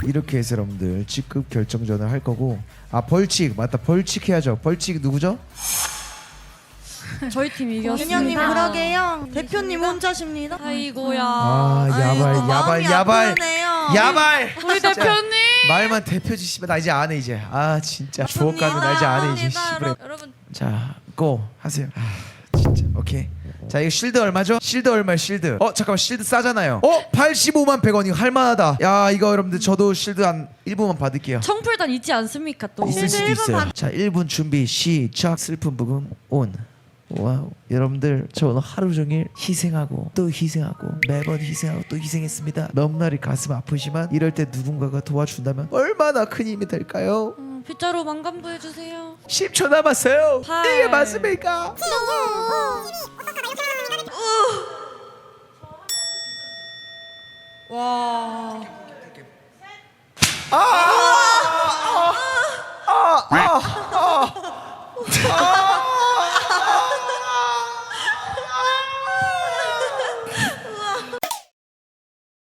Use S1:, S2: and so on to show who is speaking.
S1: 이렇게 해서 여러분들 직급 결정전을 할 거고, 아 벌칙 맞다, 벌칙 해야죠. 벌칙 누구죠?
S2: 저희 팀 이겼습니다.
S3: 민영님 그러게요. 대표님 혼자십니다.
S2: 아이고야.
S1: 아 야발
S3: 아이고,
S1: 야발
S3: 마음이
S1: 야발
S3: 아프네요.
S1: 야발.
S2: 우리 대표님.
S1: 말만 대표지 씨발 나 이제 안 해 이제. 아 진짜 주옥 가면 나 이제 안 해 이제 씨발.
S2: 여러분
S1: 자, 고 하세요. 아, 진짜. 오케이. 자, 이거 실드 얼마죠? 실드 얼마? 실드. 잠깐만, 실드 싸잖아요. 85만 100원. 이거 할 만하다. 야, 이거 여러분들 저도 실드 한 1분만 받을게요.
S2: 청풀단 있지 않습니까 또?
S1: 있을 수도 있어요. 자, 1분 준비 시작. 슬픈 부금 온. 와우. 여러분들 저 오늘 하루 종일 희생하고 또 희생하고 매번 희생하고 또 희생했습니다. 너무나 가슴 아프지만 이럴 때 누군가가 도와준다면 얼마나 큰 힘이 될까요?
S2: 빗자루 만감부 해주세요.
S1: 10초 남았어요.
S2: 8.
S1: 이게 맞습니까?
S3: 와.
S1: 아!